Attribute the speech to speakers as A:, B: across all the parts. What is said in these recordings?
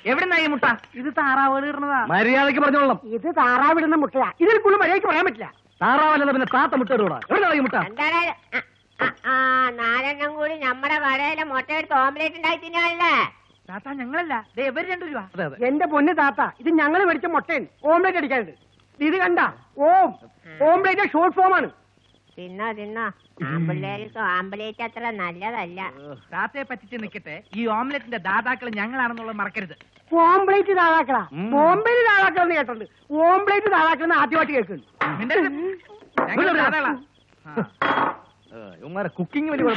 A: എവിടുന്നായി മുട്ട? ഇത് താറാവ് ഇടുന്നതാ.
B: മര്യാദക്ക് പറഞ്ഞോളാം.
C: ഇത് താറാവിടുന്ന മുട്ടയാ. ഇതിൽ കൂടുതൽ മര്യാദക്ക് പറയാൻ പറ്റില്ല.
B: താറാവല്ല പിന്നെ താത്ത മുട്ട ഇടൂടാ. എവിടുന്നായി മുട്ട?
C: നാലെണ്ണം കൂടി നമ്മുടെ കടയിലെ മുട്ട എടുത്ത് ഓംലേറ്റ് ഉണ്ടായി തിന്നാണല്ലേ?
A: താത്ത ഞങ്ങളല്ല, ഇവര് 2 രൂപ.
C: എന്റെ പൊന്ന് താത്ത, ഇത് ഞങ്ങൾ മേടിച്ച മുട്ടയാണ്. ഓംലേറ്റ് അടിക്കാനുണ്ട്. ഇത് കണ്ട ഓംലേറ്റ് ഷോർട്ട് ഫോം ആണ്. തിന്നോ തിന്നോ. ആമ്പിള്ളേർക്ക് ആംബുലേറ്റ് അത്ര നല്ലതല്ല.
A: താത്തയെ പറ്റിച്ച് നിൽക്കട്ടെ, ഈ ഓംലെറ്റിന്റെ ദാതാക്കൾ ഞങ്ങളാണെന്നുള്ളത് മറക്കരുത്.
C: ഓംപ്ലേറ്റ് താഴാക്കളാ? ബോംബെയിൽ താഴാക്കളെന്ന് കേട്ടിട്ടുണ്ട്. ഓംപ്ലേറ്റ് താഴാക്കളെന്ന് ആദ്യമായിട്ട് കേൾക്കുന്നു.
B: കുക്കിംഗ് വലിയ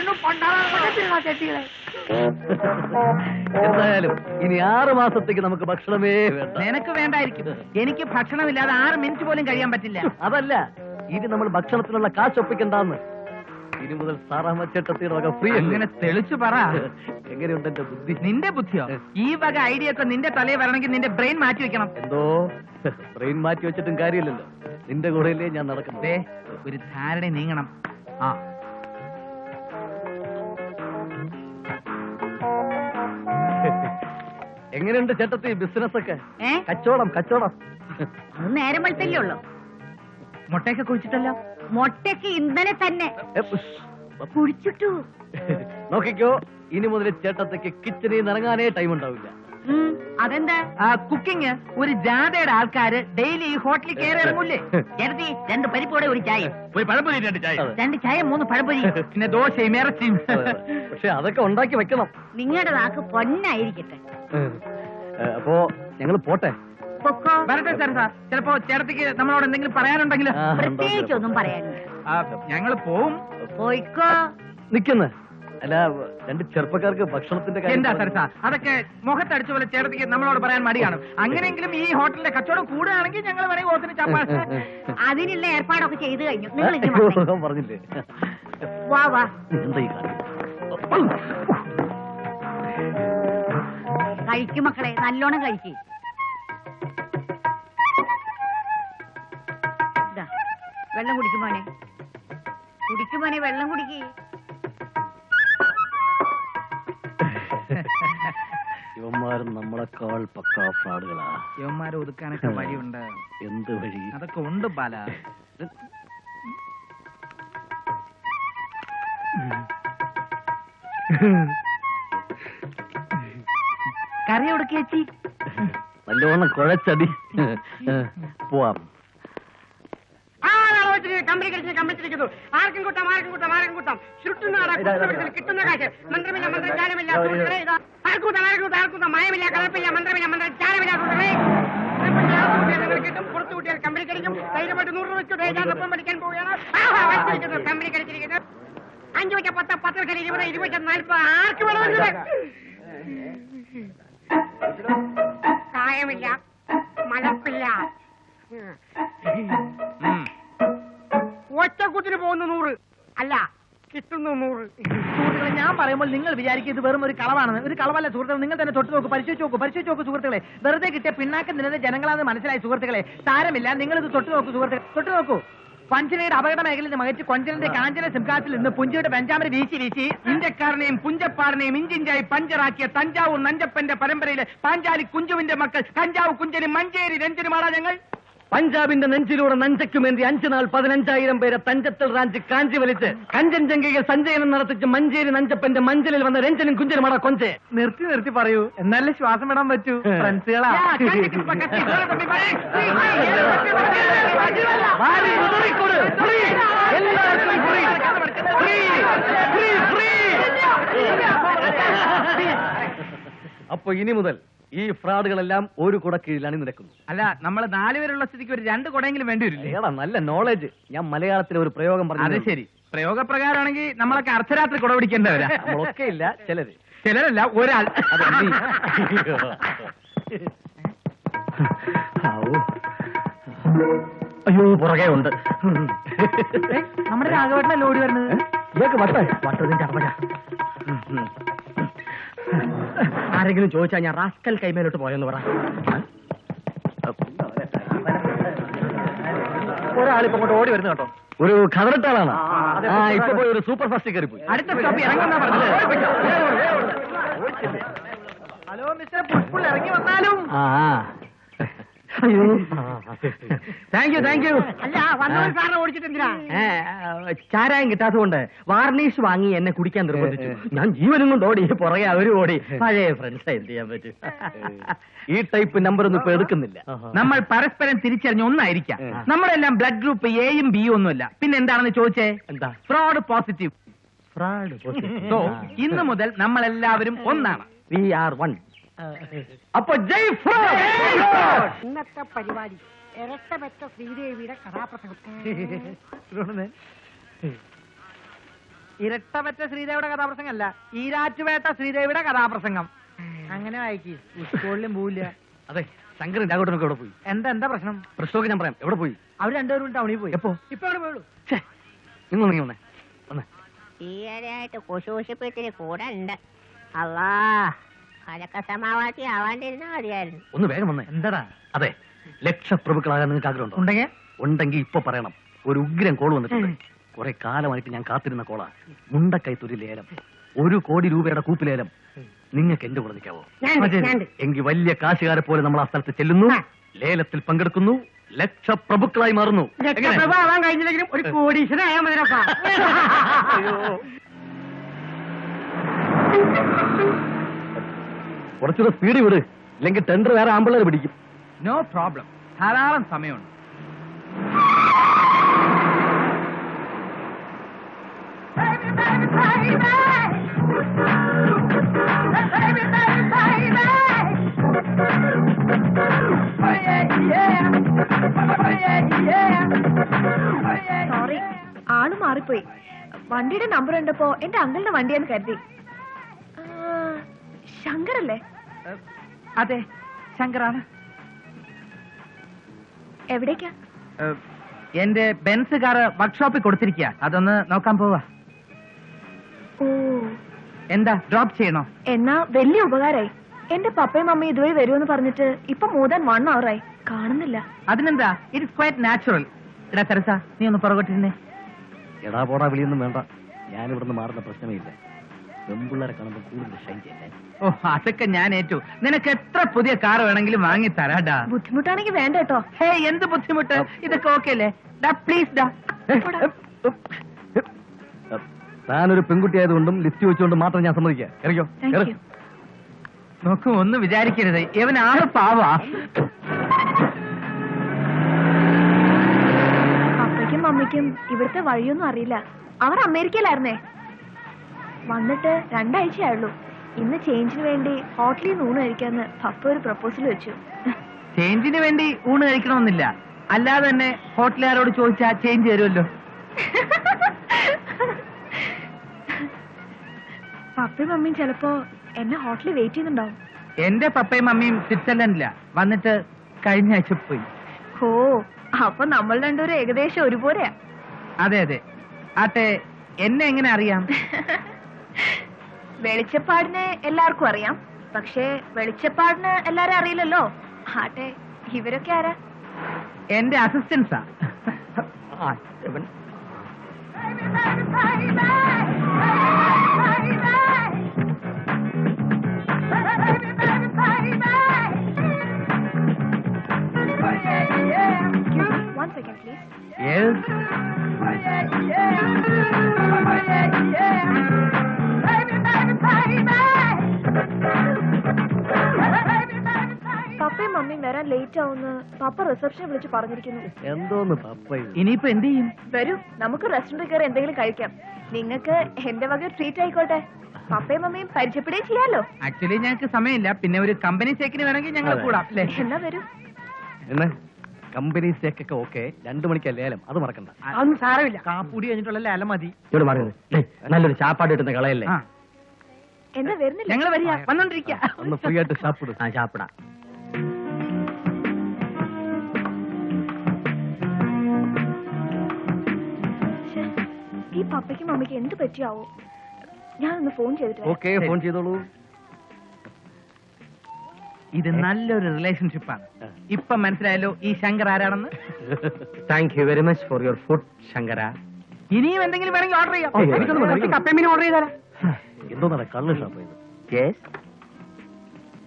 B: എന്തായാലും ഇനി 6 മാസത്തേക്ക് നമുക്ക് ഭക്ഷണമേ വേണ്ട.
A: നിനക്ക് വേണ്ടായിരിക്കും. എനിക്ക് ഭക്ഷണമില്ലാതെ 6 മിനിറ്റ് പോലും കഴിയാൻ പറ്റില്ല.
B: അതല്ല, ഇനി നമ്മൾ ഭക്ഷണത്തിനുള്ള കാശ് ഒപ്പിക്കണ്ടെന്ന്. ഇനി മുതൽ സാറാമച്ചേട്ടത്തിയുടെ വക ഫ്രീ.
A: അങ്ങനെ തെളിച്ചു പറ.
B: എങ്ങനെയുണ്ട് എന്റെ ബുദ്ധി? നിന്റെ
A: ബുദ്ധിയോ? ഈ വക ഐഡിയ ഒക്കെ നിന്റെ തലയിൽ വരണമെങ്കിൽ നിന്റെ ബ്രെയിൻ മാറ്റി വെക്കണം.
B: എന്തോ ബ്രെയിൻ മാറ്റി വെച്ചിട്ടും കാര്യമില്ലല്ലോ. നിന്റെ കൂടെയല്ലേ ഞാൻ നടക്കുന്നത്.
A: ഒരു ധാരണ നീങ്ങണം. ആ
B: എങ്ങനെയുണ്ട് ചേട്ടത്തി ബിസിനസ് ഒക്കെ? കച്ചവടം കച്ചവടം
C: അത് നേരം വെളുത്തല്ലേ ഉള്ളൂ.
A: മുട്ടയൊക്കെ കുഴിച്ചിട്ടല്ലോ.
C: മുട്ടയ്ക്ക് ഇന്നലെ തന്നെ കുഴിച്ചിട്ടു.
B: നോക്കിക്കോ, ഇനി മുതൽ ചേട്ടത്തേക്ക് കിച്ചണിൽ നിന്ന് ഇറങ്ങാനേ ടൈം ഉണ്ടാവില്ല.
C: അതെന്താ?
A: കുക്കിംഗ് ഒരു ജാഥയുടെ ആൾക്കാര് ഡെയിലി ഈ ഹോട്ടലിൽ കയറി ഇറങ്ങൂല്ലേ?
C: 2 പരിപ്പോടെ ഒരു ചായ,
A: ഒരു പഴംപൊരി,
C: 2 ചായ 3 പഴംപൊരി,
A: പിന്നെ ദോശയും ഇറച്ചിയും.
B: പക്ഷെ അതൊക്കെ ഉണ്ടാക്കി വെക്കണം.
C: നിങ്ങളുടെ നാക്ക് പൊന്നായിരിക്കട്ടെ.
B: അപ്പോ ഞങ്ങൾ പോട്ടെ.
A: വരട്ടെ സാർ. ചിലപ്പോ ചേട്ടത്തിക്ക് നമ്മളോട് എന്തെങ്കിലും പറയാനുണ്ടെങ്കിൽ?
C: പ്രത്യേകിച്ചൊന്നും പറയാനില്ല.
A: ഞങ്ങൾ പോവും.
C: പോയിക്കോ.
B: നിക്കുന്നു. അല്ല, 2 ചെറുപ്പക്കാർക്ക് ഭക്ഷണത്തിന്റെ
A: എന്താ സാർ അതൊക്കെ മുഖത്തടിച്ച പോലെ ചേട്ടത്തിക്ക് നമ്മളോട് പറയാൻ മടിയാണ്. അങ്ങനെയെങ്കിലും ഈ ഹോട്ടലിന്റെ കച്ചവടം കൂടുകയാണെങ്കിൽ ഞങ്ങൾ വേണമെങ്കിൽ ഓത്തിന് ചപ്പാ.
C: അതിനുള്ള ഏർപ്പാടൊക്കെ ചെയ്തു കഴിഞ്ഞു. നിങ്ങൾ
B: പറഞ്ഞില്ലേ?
C: വാ വാ. കഴിക്കും മക്കളെ, നല്ലോണം കഴിക്കും. വെള്ളം കുടിക്കുമോനെ, കുടിക്കുമോനെ, വെള്ളം കുടിക്കേ.
B: ഇവന്മാരും നമ്മളെക്കാൾ പക്കാ ഫ്രാഡുകളാ.
A: ഇവന്മാരെ ഒതുക്കാനൊക്കെ വഴിയുണ്ട്.
B: എന്ത് വഴി?
A: അതൊക്കെ ഉണ്ട് ബാല. കറി ഒടുക്കി
B: നല്ലോണം കുഴച്ചടി. പോവാം.
C: കമ്പനി കമ്പിച്ചിരിക്കുന്നു. ആർക്കും കൂട്ടാം, ആർക്കും കൂട്ടാം, ആർക്കും കൂട്ടാം. കിട്ടുന്ന കാശ് മന്ത്രമില്ല, മന്ത്രചാരമില്ല. ആർക്കൂട്ടാം, ആർക്കൂട്ടാം, ആർക്കൂട്ടാം. മയമില്ല, കലപ്പില്ല, മന്ത്രമില്ല, മന്ത്രചാരമില്ല. കിട്ടും. പുറത്തു കൂട്ടിയാൽ കമ്പനി കഴിക്കും. ധൈര്യമായിട്ട് 100 രൂപ വെച്ചു ധൈര്യാനൊപ്പം പഠിക്കാൻ പോവുകയാണ്. കമ്പനി കഴിച്ചിരിക്കുന്നത്. 5 വെച്ച 10, 10 വെച്ചാൽ 20, 20 വെച്ചാൽ 40. ആർക്ക് വേണമെങ്കിൽ കായമില്ല, മലപ്പില്ല. ഒറ്റക്കൂത്തിന് പോകുന്ന 100 അല്ല, കിട്ടുന്നു 100.
A: സുഹൃത്തുക്കളെ, ഞാൻ പറയുമ്പോൾ നിങ്ങൾ വിചാരിക്കും ഇത് വെറും ഒരു കളവാണെന്ന്. ഒരു കളവല്ല സുഹൃത്തുക്കളെ. നിങ്ങൾ തന്നെ തൊട്ട് നോക്കൂ, പരിശോധിച്ച് നോക്കൂ സുഹൃത്തുക്കളെ. വെറുതെ കിട്ടിയ പിന്നാക്കം നിന്നത് ജനങ്ങളാണെന്ന് മനസ്സിലായി സുഹൃത്തുക്കളെ. സാരമില്ല, നിങ്ങൾ ഇത് തൊട്ട് നോക്കൂ സുഹൃത്തുക്കളെ, തൊട്ട് നോക്കൂ. പഞ്ചനയുടെ അപകട മേഖലയിൽ നിന്ന് മകച്ച് കൊഞ്ചനന്റെ കാഞ്ചന സിംഹാസിൽ നിന്ന് പുഞ്ചയുടെ പെഞ്ചാമര വീശി വീശി ഇന്ത്യക്കാരനെയും പുഞ്ചപ്പാറിനെയും ഇഞ്ചിഞ്ചായി പഞ്ചറാക്കിയ തഞ്ചാവൂർ നഞ്ചപ്പന്റെ പരമ്പരയിലെ പാഞ്ചാലി കുഞ്ചുവിന്റെ മക്കൾ കഞ്ചാവ് കുഞ്ചനും മഞ്ചേരി രഞ്ജനുമാടാ ഞങ്ങൾ.
B: പഞ്ചാബിന്റെ നെഞ്ചിലൂടെ നഞ്ചയ്ക്കുമേന്തി 5 നാൾ 15,000 പേരെ തഞ്ചത്തൽ റാഞ്ച് കാഞ്ചി വലിച്ച് കഞ്ചൻജംഗയിൽ സഞ്ചയനം നടത്തിച്ച് മഞ്ചേരി നഞ്ചപ്പന്റെ മഞ്ചലിൽ വന്ന രഞ്ജനും കുഞ്ചനുമാടാ കൊഞ്ചെ.
A: നിർത്തി പറയൂ, എന്നാലേ ശ്വാസം വിടാൻ പറ്റൂ. ഫ്രണ്ട്സുകളാ.
B: അപ്പൊ ഇനി മുതൽ ഈ ഫ്രോഡുകളെല്ലാം ഒരു കുട കീഴിലാണ് നിരക്കുന്നത്.
A: അല്ല, നമ്മൾ 4 പേരുള്ള സ്ഥിതിക്ക് ഒരു 2 കുടയെങ്കിലും വേണ്ടി വരില്ലേ?
B: ഏടാ, നല്ല നോളജ്. ഞാൻ മലയാളത്തിലെ ഒരു പ്രയോഗം പറഞ്ഞു.
A: അത് ശരി. പ്രയോഗപ്രകാരമാണെങ്കിൽ നമ്മളൊക്കെ അർദ്ധരാത്രി കുട പിടിക്കേണ്ടവരാ.
B: നമ്മളൊക്കെ ഇല്ല,
A: ചിലരല്ല, ഒരാൾ.
B: അയ്യോ, പുറകെ ഉണ്ട്.
A: നമ്മുടെ രാഘവേട്ടനല്ലേ ഓടി വരുന്നത്?
B: ഇതൊക്കെ വട്ടതിന്റെ അർമ്മ.
A: ആരെങ്കിലും ചോദിച്ചാൽ ഞാൻ റാസ്കൽ കൈമേലോട്ട് പോയെന്ന് പറ. ഒരാളിപ്പോ അങ്ങോട്ട് ഓടി വരുന്നു കേട്ടോ.
B: ഒരു ഖബറട്ടാളാണ്. ഇപ്പൊ പോയി ഒരു സൂപ്പർ ഫാസ്റ്റ് കയറി പോയി.
A: അടുത്ത സ്റ്റോപ്പ് ഇറങ്ങുന്ന പറഞ്ഞത്. ഹലോ മിസ്റ്റർ പുഷ്പുൾ, ഇറങ്ങി വന്നാലും.
B: അയ്യോ, താങ്ക് യു.
C: അല്ല വന്നവർ സാറിനെ ഓടിച്ചിട്ട് എന്തിനാ?
B: ചാരായം കിട്ടാത്തതുകൊണ്ട് വാർണിഷ് വാങ്ങി എന്നെ കുടിക്കാൻ നിർബന്ധിച്ചു. ഞാൻ ജീവനും കൊണ്ട് ഓടി, പുറകെ അവരും ഓടി. പഴയ ഫ്രണ്ട്സ്, എന്ത് ചെയ്യാൻ പറ്റും? ഈ ടൈപ്പ് നമ്പർ ഒന്നും ഇപ്പൊ എടുക്കുന്നില്ല.
A: നമ്മൾ പരസ്പരം തിരിച്ചറിഞ്ഞ ഒന്നായിരിക്കാം. നമ്മളെല്ലാം ബ്ലഡ് ഗ്രൂപ്പ് എയും ബിയും ഒന്നുമല്ല. പിന്നെ എന്താണെന്ന് ചോദിച്ചേ?
B: എന്താ?
A: Fraud positive. സോ ഇന്ന് മുതൽ നമ്മളെല്ലാവരും ഒന്നാണ്.
B: We are one. അപ്പൊ ജയ് ഫ്രോഡ്.
C: ഇന്നത്തെ പരിപാടി ഇരട്ടപ്പെട്ട ശ്രീദേവിയുടെ കഥാപ്രസംഗം.
A: ഇരട്ടപറ്റ ശ്രീദേവിയുടെ കഥാപ്രസംഗം അല്ല, ഈരാറ്റുപേട്ട ശ്രീദേവിയുടെ കഥാപ്രസംഗം. അങ്ങനെ വായിക്കി. സ്കൂളിലും പോവില്ല.
B: അതെ, ശങ്കരൻ രാഘവനൊക്കെ എവിടെ പോയി?
A: എന്താ പ്രശ്നം?
B: പ്രശ്നമൊക്കെ ഞാൻ പറയാം. എവിടെ പോയി?
A: അവർ രണ്ടുപേരും ടൗണിൽ പോയി.
B: എപ്പോ?
A: ഇപ്പൊ അവിടെ പോയുള്ളൂ.
B: നിങ്ങൾ നീ വന്നേ.
C: ഈയിടെയായിട്ട് കുശൂഷിപ്പിച്ചിരി കൂടെ ഉണ്ട്. അല്ലാ, അതൊക്കെ സമാവാത്തി ആവാണ്ടിരുന്നാ മതിയായിരുന്നു.
B: ഒന്ന് വേഗം വന്നേ.
A: എന്താടാ?
B: അതെ, ലക്ഷപ്രഭുക്കളാകാൻ നിങ്ങൾക്ക് ആഗ്രഹമുണ്ടോ?
A: ഉണ്ടെങ്കിൽ
B: ഇപ്പൊ പറയണം. ഒരു ഉഗ്രം കോൾ വന്നിട്ടുണ്ട്. കുറെ കാലമായിട്ട് ഞാൻ കാത്തിരുന്ന കോളാ. മുണ്ടക്കൈത്തൊരു ലേലം, 1 കോടി രൂപയുടെ കൂപ്പിലേലം. നിങ്ങൾക്ക് എന്റെ കൂടെ നിൽക്കാവോ? എങ്കിൽ വലിയ കാശുകാരെ പോലെ നമ്മൾ ആ സ്ഥലത്ത് ചെല്ലുന്നു, ലേലത്തിൽ പങ്കെടുക്കുന്നു, ലക്ഷപ്രഭുക്കളായി മാറുന്നു.
C: ആവാൻ കഴിഞ്ഞില്ലെങ്കിലും ഒരു കോടീശ്വരനായാൽ മതിരപ്പാ.
B: കുറച്ചുകൂടെ സ്പീഡ് വിട്, ഇല്ലെങ്കിൽ ടെൻഡർ വേറെ ആമ്പിള്ളേർ പിടിക്കും.
A: നോ പ്രോബ്ലം, ധാരാളം സമയമുണ്ട്.
D: സോറി, ആള് മാറിപ്പോയി. വണ്ടിയുടെ നമ്പർ കണ്ടപ്പോ എന്റെ അങ്കിളിന്റെ വണ്ടിയാന്ന് കരുതി. ശങ്കറല്ലേ?
A: അതെ, ശങ്കറാണ്.
D: എവിടേക്കാ?
A: എന്റെ ബെൻസ് കാറ് വർക്ക്ഷോപ്പിൽ കൊടുത്തിരിക്കുക. അതൊന്ന് നോക്കാൻ പോവാ.
D: ഓ,
A: എന്താ ഡ്രോപ്പ് ചെയ്യണോ?
D: എന്നാ വലിയ ഉപകാരായി. എന്റെ പപ്പയും മമ്മയും ഇതുവഴി വരുമെന്ന് പറഞ്ഞിട്ട് ഇപ്പൊ more than 1 hour ആയി, കാണുന്നില്ല.
A: അതിനെന്താ, ഇറ്റ്സ് ക്വൈറ്റ് നാച്ചുറൽ. എടാ തെരസ, നീ ഒന്ന് പുറകോട്ടിരുന്നേ.
B: എടാ പോടാ വിളിയൊന്നും വേണ്ട, ഞാനിവിടുന്ന് മാറുന്ന പ്രശ്നമേ ഇല്ല. പെമ്പിള്ളേരെ കാണുമ്പോൾ കൂടുതൽ ഷൈൻ ചെയ്യല്ലേ.
A: ഓ, അതൊക്കെ ഞാൻ ഏറ്റു. നിനക്ക് എത്ര പുതിയ കാർ വേണമെങ്കിലും വാങ്ങി തരാടാ.
D: ബുദ്ധിമുട്ടാണെങ്കിൽ വേണ്ട കേട്ടോ.
A: ഹേ, എന്ത് ബുദ്ധിമുട്ട്? ഇതൊക്കെ ഓക്കെ അല്ലേ? ഡാ പ്ലീസ് ഡാ.
B: താനൊരു പെൺകുട്ടി ആയതുകൊണ്ടും ലിഫ്റ്റ് വെച്ചുകൊണ്ടും മാത്രം ഞാൻ സമ്മതിക്കാം. ഇറങ്ങിയോ?
D: Thank you.
A: നോക്കൂ, ഒന്നും വിചാരിക്കരുത്, ഇവൻ ആള് പാവാ.
D: പപ്പയ്ക്കും മമ്മിക്കും ഇവിടുത്തെ വഴിയൊന്നും അറിയില്ല. അവർ അമേരിക്കയിലായിരുന്നേ. വന്നിട്ട് 2 ആഴ്ചയായുള്ളൂ. ഇന്ന് ചേഞ്ചിന് വേണ്ടി ഹോട്ടലിൽ നിന്ന് ഊണ് കഴിക്കാന്ന് പപ്പ ഒരു പ്രപ്പോസൽ വെച്ചു.
A: ചേഞ്ചിന് വേണ്ടി ഊണ് കഴിക്കണമെന്നില്ല, അല്ലാതെ തന്നെ ഹോട്ടലുകാരോട് ചോദിച്ചാ ചേഞ്ച് തരുമല്ലോ.
D: പപ്പയും മമ്മിയും ചിലപ്പോ എന്നെ ഹോട്ടലിൽ വെയിറ്റ് ചെയ്യുന്നുണ്ടാവും.
A: എന്റെ പപ്പയും മമ്മിയും സ്വിറ്റ്സർലൻഡിലാ. വന്നിട്ട് കഴിഞ്ഞ ആഴ്ച പോയി.
D: ഓ, അപ്പൊ നമ്മൾ രണ്ടുപേരും ഏകദേശം ഒരുപോലെയാ.
A: അതെ അതെ. ആട്ടെ, എന്നെ എങ്ങനെ അറിയാം?
D: വെളിച്ചപ്പാടിനെ എല്ലാവർക്കും അറിയാം, പക്ഷേ വെളിച്ചപ്പാടിന് എല്ലാരും അറിയില്ലല്ലോ. ആട്ടെ, ഇവരൊക്കെ ആരാ?
A: എന്റെ അസിസ്റ്റൻസാ.
D: One second, please.
A: Yes.
D: പപ്പയും മമ്മിയും വരാൻ ലേറ്റ് ആവുന്ന പപ്പ റിസപ്ഷനെ വിളിച്ച് പറഞ്ഞിരിക്കുന്നു.
B: എന്തോന്ന് പപ്പ
A: ഇനിയിപ്പോ എന്ത് ചെയ്യും?
D: വരൂ, നമുക്ക് റെസ്റ്റോറന്റിൽ കയറി എന്തെങ്കിലും കഴിക്കാം. നിങ്ങൾക്ക് എന്റെ വക ട്രീറ്റ് ആയിക്കോട്ടെ. പപ്പയും മമ്മിയും പരിചയപ്പെടുകയും ചെയ്യാലോ.
A: ആക്ച്വലി ഞങ്ങൾക്ക് സമയമില്ല, പിന്നെ ഒരു കമ്പനി സേക്കിന് വേണമെങ്കിൽ ഞങ്ങൾ കൂടാം.
D: എന്നാ വരൂ.
B: എന്നെ കമ്പനി സേക്കൊക്കെ ഓക്കെ. 2 മണിക്കാ ലേലം, അത് മറക്കണ്ട.
C: അതൊന്നും സാരമില്ല.
A: കാപ്പൂടി കഴിഞ്ഞിട്ടുള്ള ലേലം മതി.
B: ഇവിടെ മാറുന്നത് നല്ലൊരു ചാപ്പാട് കിട്ടുന്ന കളയല്ലേ.
D: എന്താ വരുന്നില്ല?
A: ഞങ്ങൾ വരിക, വന്നോണ്ടിരിക്ക.
B: ഒന്ന് ഫ്രീ ആയിട്ട് ചാപ്പിടും. ആ ചാപ്പിടാ.
D: ഈ പപ്പയ്ക്കും മമ്മിക്ക് എന്ത് പറ്റിയാവോ? ഞാനൊന്ന് ഫോൺ ചെയ്തിട്ട് വരാം.
B: ഓക്കെ, ഫോൺ ചെയ്തോളൂ.
A: ഇത് നല്ലൊരു റിലേഷൻഷിപ്പാണ്. ഇപ്പൊ മനസ്സിലായല്ലോ ഈ ശങ്കർ ആരാണെന്ന്.
B: Thank you very much for your food Shankara.
A: ഇനിയും എന്തെങ്കിലും വേണമെങ്കിൽ ഓർഡർ ചെയ്യാം.
C: എനിക്കൊന്ന് കപ്പയും മീനും ഓർഡർ ചെയ്താലേ.
B: എന്തോന്നാ കള്ള് shop?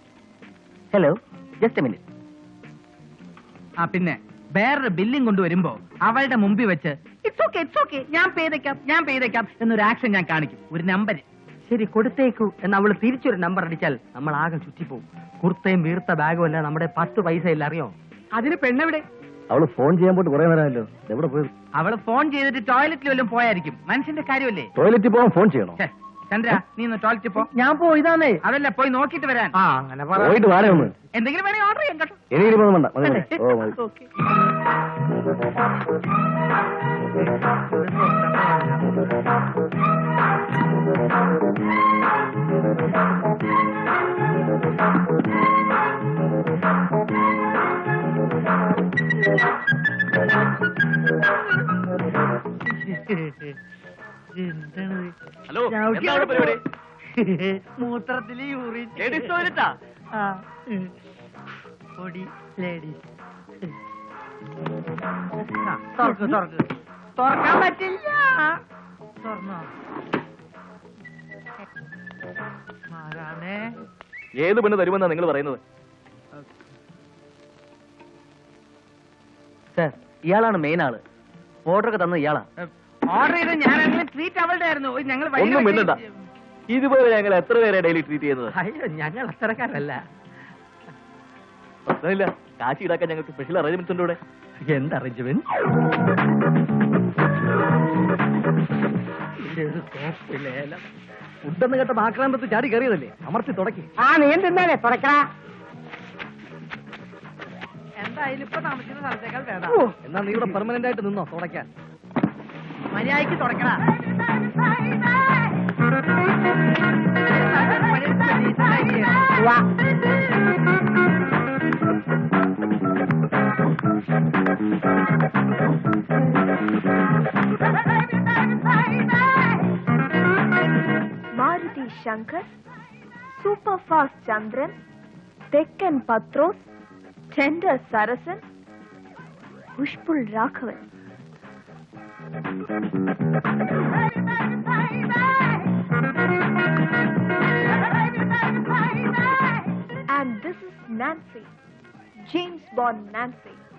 A: Hello, just a minute. ആ പിന്നെ വേറൊരു ബില്ലിംഗ് കൊണ്ടുവരുമ്പോ അവളുടെ മുമ്പിൽ വെച്ച് ഇറ്റ്സ് ഓക്കെ ഞാൻ പെയ്തേക്കാം എന്നൊരു ആക്ഷൻ ഞാൻ കാണിക്കും, ഒരു നമ്പർ. ശരി, കൊടുത്തേക്കൂ എന്ന് അവള് തിരിച്ചൊരു നമ്പർ അടിച്ചാൽ നമ്മൾ ആകെ ചുറ്റിപ്പോവും. കുർത്തയും വീർത്ത ബാഗും അല്ല, നമ്മുടെ 10 പൈസ ഇല്ല, അറിയോ?
C: അതിന് പെണ്ണെവിടെ?
B: അവള് ഫോൺ ചെയ്യാൻ പോയിട്ട് കുറെ നേരമല്ലോ. എവിടെ പോയി?
A: അവള് ഫോൺ ചെയ്തിട്ട് ടോയ്ലറ്റിൽ വല്ലതും പോയായിരിക്കും. മനുഷ്യന്റെ കാര്യമല്ലേ.
B: ടോയ്ലറ്റിൽ പോകാൻ ഫോൺ ചെയ്യണോ?
A: ഛെ, ചന്ദ്ര നീ ഒന്ന് ടോയ്ലറ്റിൽ പോ.
C: ഞാൻ പോയതാന്നേ.
A: അതല്ല, പോയി നോക്കിട്ട് വരാൻ.
C: ആ അങ്ങനെ പറ.
B: പോയിട്ട് വാടേ ഒന്ന്.
A: എന്തെങ്കിലും വേണേ ഓർഡർ ചെയ്യാം കേട്ടോ.
B: എനിക്കിപ്പോ വേണ്ട, മതി, മതി. ഓ മതി.
A: ഓക്കെ.
B: ഹലോ, എന്താണ് പരിപാടി?
A: മൂത്രത്തില് യൂറിൻ.
B: ലേഡീസ് ടോയ്ലറ്റാ?
A: പൊടി ലേഡീസ്. തുറക്കാൻ പറ്റില്ല. തുറന്നോ? ആരാണേ?
B: ഏത് പെണ്ണ് തരുമെന്നാ നിങ്ങൾ പറയുന്നത്?
A: സർ, ഇയാളാണ് മെയിൻ ആള്. ഓർഡർ ഒക്കെ തന്നത് ഇയാളാ. ഓർഡർ ചെയ്ത് ഞാനാണെങ്കിലും ട്രീറ്റ് അവളുടെ ആയിരുന്നു. ഞങ്ങൾ
B: ഒന്നും മിണ്ടണ്ട. ഇതുപോലെ ഞങ്ങൾ എത്ര പേരെ ഡെയിലി ട്രീറ്റ് ചെയ്യുന്നത്?
A: അയ്യോ, ഞങ്ങൾ അത്രക്കാരല്ല.
B: പ്രശ്നമില്ല, കാശി ഈടാക്കാൻ ഞങ്ങൾക്ക് സ്പെഷ്യൽ അറേഞ്ച്മെന്റ്സ് ഉണ്ട് ഇവിടെ.
A: എന്ത് അറേഞ്ച്മെന്റ്?
B: ഫുഡെന്ന് കേട്ട ആക്രാന്തത്ത് ചാടി കയറിയതല്ലേ, അമർത്തി തുടക്കി.
C: ആ നീ എന്തിന്നാലേ തുറക്കടാ.
A: എന്തായാലും ഇപ്പൊ താമസിക്കുന്ന സ്ഥലത്തേക്കാൾ വേണം.
B: എന്നാ നീ ഇവിടെ പെർമനന്റ് ആയിട്ട് നിന്നോ തുടയ്ക്കാൻ.
A: മര്യാദയ്ക്ക് തുടക്കടാ.
C: വാ.
D: മാരുതി ശങ്കർ, സൂപ്പർ ഫാസ്റ്റ് ചന്ദ്രൻ, തെക്കൻ Pathrose, tender Sarasan, push pull Raghavan. And this is Nancy, James Bond Nancy.